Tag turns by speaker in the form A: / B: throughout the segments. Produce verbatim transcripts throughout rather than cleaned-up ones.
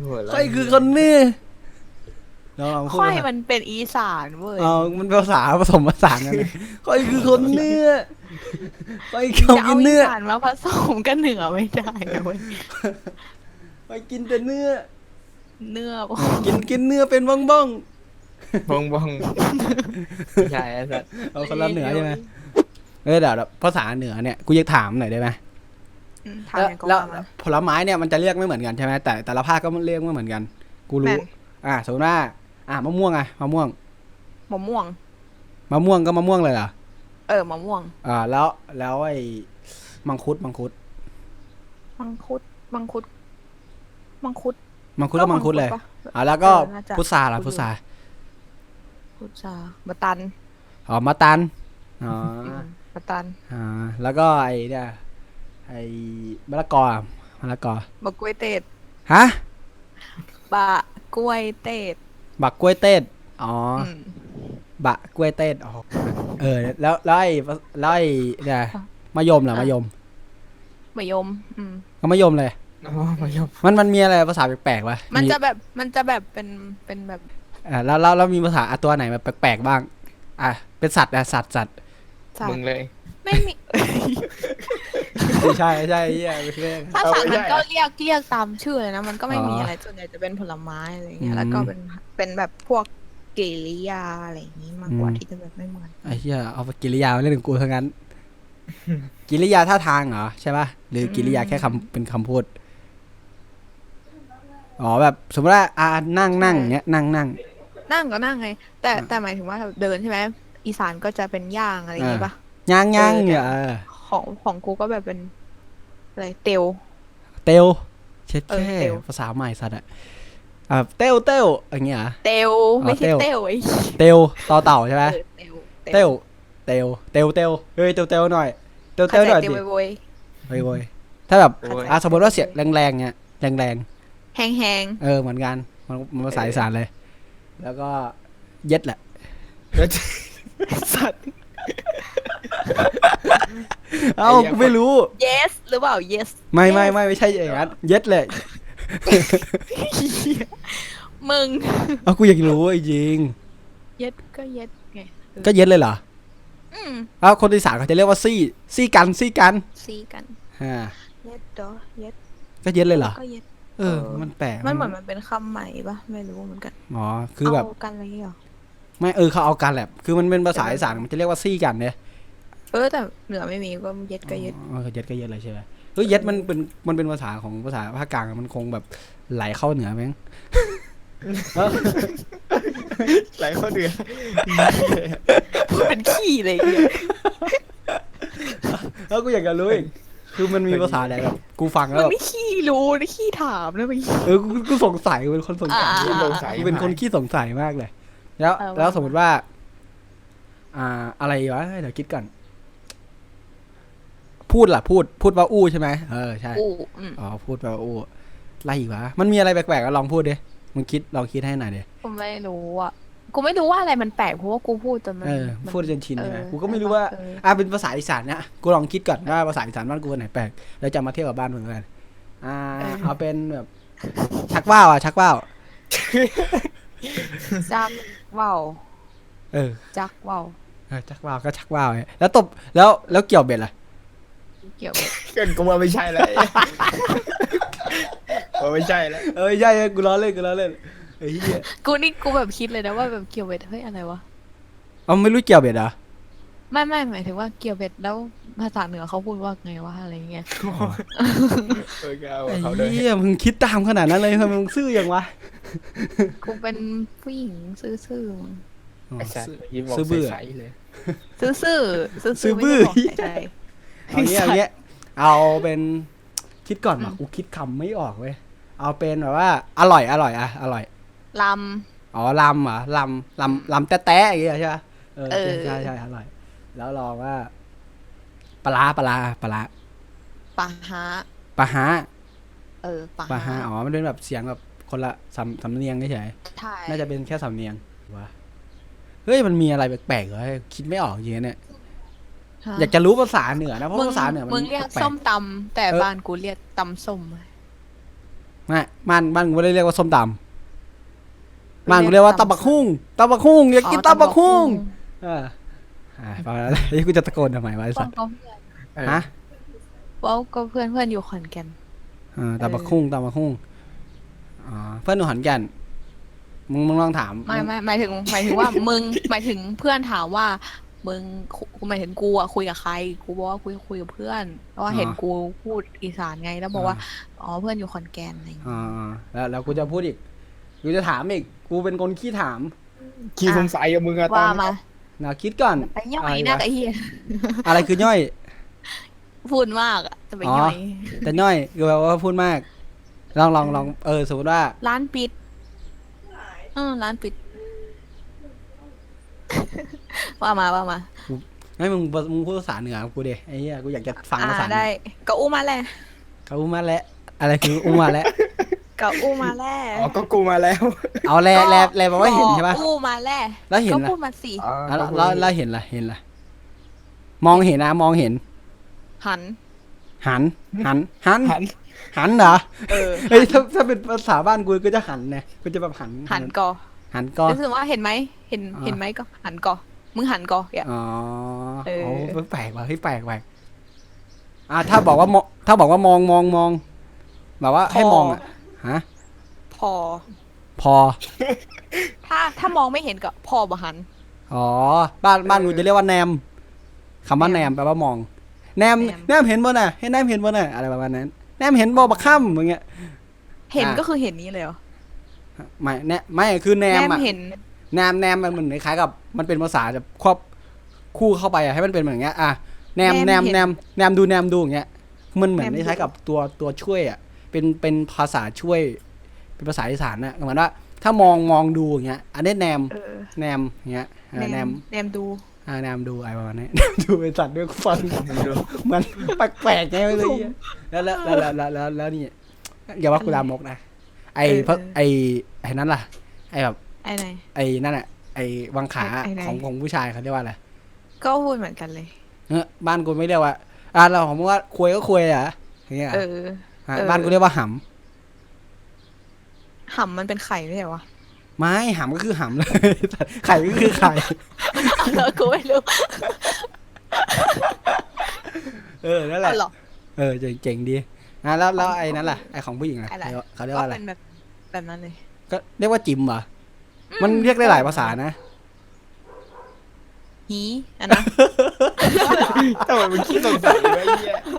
A: ค่อยคือคนเหนือเราลองพูด
B: ค่อย
A: ภาษา
B: มันเป็นอีสานเว้ย
A: เอามันภาษาผสมผสานกันเลยค่อยคือคนเหนือค่อย
B: จะ
A: เขา
B: เอา
A: กิน
B: อี
A: เนื้อ
B: สานมาผสมกันเหนือไม่ได้นะเว้ย
A: ค่อยกินแต่เนื้อ
B: เนื้อ
A: กินกินเนื้อเป็นบ้องบ้อง
C: บองบองไม่ใช่ไอ้สัส
A: ๆเอาคนละเหนือใช่ไหมเออเดี๋ยวเดี๋ยวภาษาเหนือเนี่ยกูอยากถามหน่อยได้ไหม
B: อืม
A: แล้ว
B: ทำยังก็
A: แล้ว
B: ว่ามา
A: ผลไม้เนี่ยมันจะเรียกไม่เหมือนกันใช่ไหมแต่แต่ละภาคก็เรียกไม่เหมือนกัน กู
B: แม่
A: รู้
B: น
A: อ่าสมมติว่าอ่ามะม่วงอะมะม่วง
B: มะม่วง
A: มะม่วงก็มะม่วงเลยเหรอ
B: เออมะม่วง
A: อ่าแล้วแล้วไอ้มังคุดมังคุด
B: มังคุดมังคุดมังคุด
A: มังคุดก็มังคุดเลย
B: ปะ
A: อ่าแล้วก็
B: เออน่าจะ
A: พุทราล่ะ
B: คุ้นอยู่
A: พุทรา
B: พุทราบะตัน
A: อ๋อมะตันอ๋อ
B: อืมบะตัน
A: อ่าแล้วก็ไอ้เนี่ยไอ้มะละกออะมะละกอบ
B: ะกล้วยเตด
A: ฮะ
B: บะกล้วยเตด
A: บักกล้วยเต้นอ๋ออ
B: อืม
A: บะกล้วยเต้นอ๋อเออแล้วแล้วไอ้แล้วไอ้เนี่ยมะยมล่ะมะยม
B: มะยม อืม
A: ก็มะยมเลย
C: อ๋อมายม
A: มันมันมีอะไรภาษาแปลกๆวะ
B: มันจะแบบมันจะแบบเป็นเป็นแบบ
A: อ่าแล้วแล้วแล้วมีภาษาอ่ะตัวไหนแบบแปลกๆบ้าง อ่ะเป็นสัตว์อ่ะสัตว์สัตว์
B: สัต
C: มึง
B: ว์
C: เลย
B: ไม่มี
A: ไม่ใช่ไม่ใช่เหี้ยไม่ใช่
B: ถ้า
C: เอา
B: สัตว์
C: ไม่
B: มัน
C: ได้
B: ก็
C: อะ
B: เรียกเรียกตามชื่อเลยนะ มันก็ไม่
A: อ๋อ
B: มีอะไรส่วนใหญ่จะเป็นผลไม้อะไรอย่างเงี้
A: อื
B: ย
A: ม
B: แล้วก็เป็นเป็นแบบพวกกริยาอะไรอย่างงี้มากกว่า
A: อืม
B: ที่จะแบบไม่เหมือน
A: ไอ้เหี้ยเอากิริยามาเล่นกับกูทั้งนั้น กิริยาท่าทางเหรอใช่ป่ะหรือกิริยาแค่คำเป็นคำพูดอ๋อแบบสมมติว่าอ่านั่งนั่งเนี้ยนั่งนั่ง
B: นั่งก็นั่งไง แต่
A: อ่า
B: แต่หมายถึงว่าเดินใช่ไหมอีสานก็จะเป็นย่างอะไรอย่างงี้
A: อ่า
B: ปะ
A: ย่างย่าง
B: เออ
A: เนี่ยเออ
B: ของของกูก็แบบเป็นอะไรเตียว
A: เตลเช็ด
B: เออ
A: แค่
B: เตล
A: ภาษาใหม่สัตว์อะอ่าเตลเตลอย่างเงี้ยเหรอ
B: เตียวไม่ใช่
A: เตียว
B: เตียวไอ้
A: เตลต่อเต่าใช่ไหม
B: เออเตียว
A: เตลเตลเตลเตลเฮ้ยเตลเตลหน่อยเตลเต
B: เข้า
A: ล
B: ใจ
A: หน่อย
B: เตียว
A: ดิ
B: โวย
A: โวยโวยถ้าแบบ
C: โอ้ย
A: อ่ะสมมติว่าเสียงแรงๆเนี่ยแรง
B: ๆแห้งแห้ง
A: ๆเออเหมือนกันมันมันภาษาอีสานเลย แล้วก็เย็ดแหละ
B: ๆสัตว์
A: เอ้ากูไม่รู้
B: yes หรือเปล่า yes
A: ไม่ไม่ไม่ไม่ใช่อย่างนั้นเย็ดเลย
B: มึง
A: เอากูอยากรู้จริง
B: yes ก็ yes ไง
A: ก็เย็ดเลยเหรอ
B: อืม
A: เอ้าคนอีสานเขาจะเรียกว่าซี่ซี่กันซี่กัน
B: ซีกัน
A: อ่า
B: yes ดอ yes
A: ก็เย็ดเลยเหรอ
B: ก็ yes
A: เออ มันแปลก
B: มันเหมือนมันเป็นคำใหม่ปะไม่รู้เหมือนกัน
A: อ๋อคือแบบ
B: เอากันอะไรอย่างเงี้ยหรอ
A: ไม่เออเขาเอากันแหละคือมันเป็นภาษาอีสานมันจะเรียกว่าซี่กันเนี่ย
B: เออแต่เหนือไม่มีก็ yes ก็ yes
A: อ๋อเย็ดก็เย็ดเลยใช่ไหมเฮ้ยเย็ดมันเป็นมันเป็นภาษาของภาษาภาคกลางมันคงแบบไหลเข้าเหนือมั้ง
C: หลายคนเดือด
B: เป็นขี้เลยเนี่ย
A: แล้วกูอยากจะรู้อีกคือมันมีภาษาอะไรแบบกูฟังแล้
B: มั
A: วน แบบ
B: ไม่ขี้รู้นะขี้ถามนะมัน
A: เออกูกูสงสัยกูเป็นคนสงสัย
B: อ่า
C: สงสัย
A: กูเป็นคนขี้สงสัยมากเลย แล้ว
B: เออว่า
A: แล้วสมมติว่า อ่า อะไรวะเดี๋ยวคิดก่อนพูดล่ะ พูด พูดว่าอู้ใช่ไหมเออใช่
B: อู้อืม
A: อ๋อพูดว่าอู้อะไรอีกวะมันมีอะไรแปลกๆก็ลองพูดดิมึงคิดลองคิดให้หน่อยดิ
B: กูไม่รู้อ่ะกูไม่รู้ว่าอะไรมันแปลกเพราะว่ากูพูดจนมัน
A: เออ
B: มัน
A: พูดจนชินใช่ไหม
B: เออ
A: กูก็ไม่รู้ว่า
B: เออ
A: อ่าเป็นภาษาอีสานเนี่ยกูลองคิดก่อนว่าภาษาอีสานบ้านกูอันไหนแปลกแล้วจะมาเทียบกับบ้านมึงกันอ่า เอาเป็นแบบ ชักว่าวอ่ะชักว่าว
B: จักว่าว
A: เออ
B: จักว่าว
A: เออชักว่าวก็ชักว่าวไงแล้วตบแล้วแล้วเกี่ยวเบ็ดล่ะ
B: เกี่ยวกับ
C: เกินกูว่าไม่ใช่แล้วว่าไม่ใช่แล้ว
A: เออใช่ๆกูล้อเล่นกูล้อเล่นไอ้เหี้ย
B: กูนี่กูแบบคิดเลยนะว่าแบบเกี่ยวเบ็ดเฮ้ยอะไรวะ
A: เอาไม่รู้เกี่ยวเบ็ดเหรอ
B: ไม่ไม่หมายถึงว่าเกี่ยวเบ็ดแล้วภาษาเหนือเขาพูดว่าไงวะอะไรเงี้ย
C: เออก็เอา
A: ไอ้
C: เขาเลย
A: เหี้ยมึงคิดตามขนาดนั้นเลยทำไมมึงซื่ออย่างวะ
B: กูเป็นผู้หญิงซื่อซื่อ
C: ไอ้สัตว์ยิ้มบอก
A: ซื่อบื้อ
C: ใสๆเลย
B: ซื่อซื่อซื่อ
A: ซื่
B: ซื่
A: อ
B: อ
A: บื้อ
B: ไม่ได้บอกใคร
A: เอาเงี้ยเอาเงี้ยเอาเป็นคิดก่อนว่ะกูคิดคำไม่ออกเว้ยเอาเป็นแบบว่า อร่อยอร่อยอะอร่อย
B: ล
A: อ๋อลำเหรอลำลำลำแต๊ะๆอย่างเงี้ยใช่ปะเออ
B: เออ
A: ใช่ใช่อร่อย แล้วลองว่าปลาร้าปลาร้าปลาร้า
B: ำปะฮะ
A: ปลาฮะ
B: เออปะ
A: ปลาฮะ
B: ฮะ
A: อ๋อมันเป็นแบบเสียงแบบคนละสำสำเนียงเฉย
B: ใช่
A: ๆน่าจะเป็นแค่สำเนียงวะเฮ้ยมันมีอะไรแปลกๆเหรอคิดไม่ออกจริงๆเนี่ย
B: ฮะ
A: อยากจะรู้ภาษาเหนือนะเพราะ
B: มึง
A: ภาษาเหนือมัน
B: มึงเรียก
A: แปล
B: ส้
A: ก
B: มตำแต่
A: เออ
B: บ้านกูเรียกตำส้ม
A: ฮไม่บ้านบ้านกูไม่ได้เรียกว่าส้มตำบ้านกูเรียกว่าตำบักหุ่งตำบักหุ่งอยากกินตำบักหุ่งเอออ่าประมาณนั้นไอ้กูจะตะโกนทำไมวะไอ้
B: ป้
A: สั
B: อง
A: ตว์
B: ก็เพื่อน
C: เออ
A: ฮะ
B: เว้าก็เพื่อนเพื่อนอยู่ขอนแก่น
A: อ่าตำบักหุ่งตำบักหุ่งอ๋อเพื่อนหนูหันแก่นมึงมึงลองถาม
B: ไม่ไม่หมายถึงหมายถึงว่า มึงหมายถึงเพื่อนถามว่า มึงคุหมายถึงกูอะคุยกับใครกูบอกว่าคุยคุยกับเพื่อนเพราะว่าเห็นกูพูดอีสานไงแล้วบอกว่าอ๋อเพื่อนอยู่ขอนแก่นอะไรอย่างเงี้ย
A: อ่าแล้วแล้วกูจะพูดอีกกูจะถามอีกกูเป็นคนขี้ถาม
C: ขี้สงสัยกับมึงอะตอ
B: ว่าน มา
A: นะคิดก่อน
B: ไปย่อยหน้าไอ้เหี้ย
A: อะไรคือย่อย
B: พูดมากอะจะไป
A: อ๋อ
B: ย่อย
A: แต่ย่อยคือแบบว่าพูดมาก ลองลองลองเออสมมติว่า
B: ร้านปิดเออร้านปิด ว่ามาว่ามา
A: ไม่มึงมึงพูดภาษาเหนือกับกูดิไอ้เหี้ยกูอยากจะฟัง
B: อ่า
A: ภาษาเหนื
B: ได้
A: อ
B: ก็อู้มาแล้ว
A: เขาอุ้มมาแล้วอะไรคืออุ้มมาแล้ว
B: ก็อู้มาแล้ว
C: อ๋อก็กูมาแล้ว
A: เอาแลแลแลแปลว่าเห็นใช่ปะ
B: ก็อู้มาแล้ว
A: แล้วเห็น
B: ก็
A: ล่ะ
B: พูดมาสิ
C: อ๋อ
A: แล้ว
C: ก็กู
A: แล้วแล้วเห็นล่ะเห็นล่ะมองเห็นนะมองเห็น
B: หัน
A: หันหันหัน
C: หัน
A: หันเหรอ
B: เออ
A: เฮ้ยถ้าถ้าเป็นภาษาบ้านกูก็จะหันไงกูจะแบบหัน
B: หันก่อ
A: หันก็
B: รู้สึกว่าเห็นไหมเห็น
A: อ่า
B: เห็นไหมก็หันก่อมึงหันก่ออย่า
A: อ๋อ
B: เออ
A: โอ้แปลกว่ะเฮ้ยแปลกแปลกอ่าถ้าบอกว่ามองถ้าบอกว่ามองมองมองแบบว่าให้มองอ่ะฮะ
B: พอ
A: พอ
B: ถ้าถ้ามองไม่เห็นก็พอบ่หัน
A: อ๋อบ้านบ้านกูจะเรียกว่าแนมคำว่าแนมแปลว่ามอง แนม
B: แนม
A: แนมเห็นบ่น่ะให้แนมเห็นบ่น่ะอะไรประมาณนั้น แนมเห็นบ่บักค่ำอย่างเงี้ย
B: เห็น
A: อ่า
B: ก็คือเห็นนี้เลยเหรอ
A: ไม่แนไม่คือแน
B: แน
A: ม
B: ม
A: อ่ะ
B: เห็น
A: แนมแนมมันเหมือนคล้ายๆกับมันเป็นภาษาจะครอบคู่เข้าไปอ่ะให้มันเป็นเหมือนอย่างเงี้ยอ่ะแนมแนมแนมแนมดูแนมดูอย่างเงี้ยมันเหมือนคล้ายๆกับตัวตัวช่วยอ่ะเป็นเป็นภาษาช่วย เป็นภาษาอีสานน่ะเหมือนว่าถ้ามองมองดูอย่างเงี้ยอันนี้แนม
B: เออ
A: แนมอย่างเงี้ยอ่าแนม
B: แนมดู
A: อ่าแนมดูอะไรประมาณนี้ แนมดูเป็นสัตว์ด้วยฟังมันแปลกๆไงไม่รู้แล้วแล้วแล้วแล้วแล้วแล้วแล้วนี่อย่าว่ากูลามกนะไอ้เพราะไอ้ไอ้นั่นล่ะไอ้แบบ
B: ไอ้ไหน
A: ไอ้นั่นอ่ะไอ้วังขา
B: ไอ้ไหน
A: ของของผู้ชายเขาเรียกว่าอะไร
B: ก็พูดเหมือนกันเลย
A: เออบ้านกูไม่เรียกว่าอ่าเราของมึงว่าคุยก็คุยอ่ะอย่างเงี้ย
B: เออ
A: ฮะ
B: เออ
A: บ้านกูเรียกว่าห
B: ห่ำมันเป็นไข่ไม่ใช่วะ
A: ำไม่หำก็คือหำเลย ไข่ก็คือไข่
B: เออกูไม่รู้
A: เออนั่นแหละ
B: เอาหรอ
A: เออเจ๋งเจ๋งดีอ่ะแล้วแล้วไอ้นั่นล่ะไอ้ของผู้หญิงล่ะ
B: อะไร
A: เขาเรียก
B: ก็
A: ว่าอะไร
B: เป็นแบบแบบนั้นเลย
A: ก็เรียกว่าจิมเหรอมันเรียกได้หลายภาษานะ
B: หีอันนะ
C: ทำไมมึงขี้สงสัยวะไอ้เหี้ย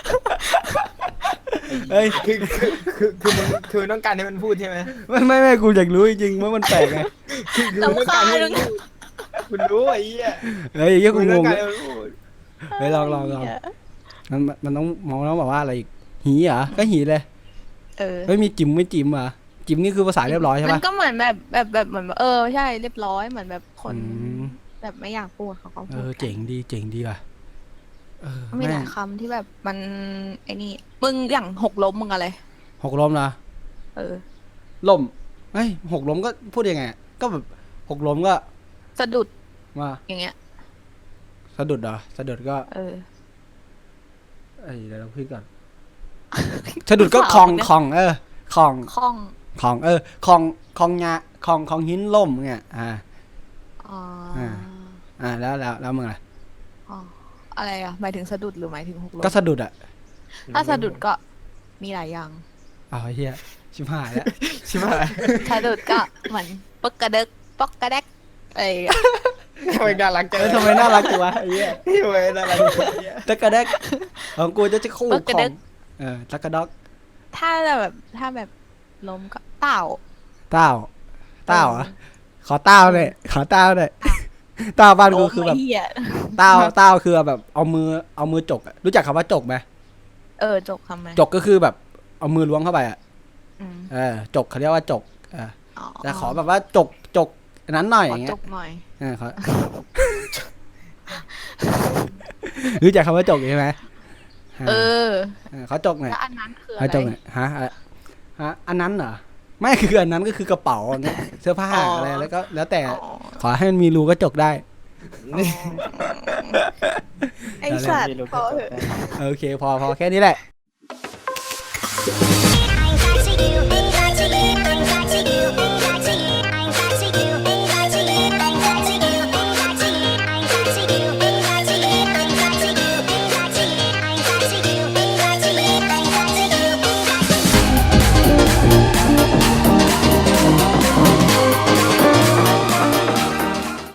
A: เอ้ย
C: คือคือคือคือมึงคือมึงต้องการให้มันพูดใช่ไหม
A: ไม่ไม่ไม่กูอยากรู้จริงๆว่ามันแปลกไง
C: คือคือมึงต้องการให้มันพูดคุณรู้ไอ้เหี้ย
A: เฮ้ยเหี้ย
C: คุ
A: กู
C: ณ
A: ง
C: ต้อง
A: ง
C: การให้มันพูด
A: เฮ้ยลองลองลองมันมันต้องมองแล้วบอกว่าอะไรอีกหีเหรอก็หีเลย
B: เออ
A: ไม่มีจิมไม่จิมเหรอ่ะจิมนี่คือภาษาเรียบร้อยใช่
B: มั
A: ปะ
B: นก็เหมือนแบบแบบแบบเหมือนเออใช่เรียบร้อยเหมือนแบบคน
A: อืม
B: แบบไม่อยากพูดเขาก็
A: เอ
B: พูด
A: อเจ๋งดีเจ๋งดีว่ะเออ
B: มีห
A: แม่
B: ลาง ยคำที่แบบมันไอ้นี่มึงอย่างหกล้มมึงอะไร
A: หกล้มนะ
B: เออ
A: ล้มเฮ้ยหกล้มก็พูดยังไงก็แบบหกล้มก็
B: สะดุด
A: ว่า
B: อย่างเงี้ย
A: สะดุดเหรอสะดุดก็
B: เออ
A: เอ้ยเดี๋ยวเราพูดก่อนสะดุดก็คลองคลองเออคลอง
B: คล่อง
A: คลองเออคลองคลองงาคลองคลองหินล่มเงี้ยอ่า
B: อ๋อ
A: อ่า อ่าแล้วแล้วแล้วมึงล่ะ
B: อ๋ออะไรอ่ะหมายถึงสะดุดหรือหมายถึงหกล้ม
A: ก็สะดุดอ่ะ
B: ถ้าสะดุดก็มีหลายอย่าง
A: อ้าวไอ้เฮียชิบหายแล้ว
C: ใช่ไหม
B: สะดุดก็เหมือนปกกระเดกปกกระแดกไอ้
C: ทำไมน่ารักจัง
A: เออทำไมน่ารักจังวะไอ้เหี้ย
C: ทำไมน่ารักจังไอ้เหี้ย
A: ตะกระแดกของกูจะจะคู่ของเออตะกระดอก
B: ถ้าแบบถ้าแบบล้มก็เต่า
A: เต้าเต้าเหรอ่ะขอเต้าเลยขอเต้าเลยเต้าบ้านกูคือแบบ
B: โยเหี้ย
A: เต้าเต้าคือแบบเอามือเอามือจกอะรู้จักคำว่าจกไหม
B: เออจกทำไม
A: จกก็คือแบบเอามือล้วงเข้าไปอ่ะ
B: อืม
A: เออจกเขาเรียกว่าจกเออ
B: อ๋อ
A: แต่ขอแบบว่าจกจกอันนั้นหน่อยอ
B: ขอย่าง
A: เงี้
B: จ
A: ย
B: กหน่อย
A: เออขอ รู้จักคำว่าจกใช่ไหม
B: เออ
A: เออเขาจกหน่อย
B: แล้วอันนั้นคืออะ
A: เขา
B: ไร
A: จกหน่อยฮะอะไรฮะอันนั้นเหรอไม่คืออันนั้นก็คือกระเป๋าเนี่ยเสื้อผ้าอะไรแล้วก็แล้วแต่
B: อ๋อ
A: ขอให้มันมีรูก็จกได้
B: ไอสัตว์พอเถอะ
A: โอเคพอพอแค่นี้แหละ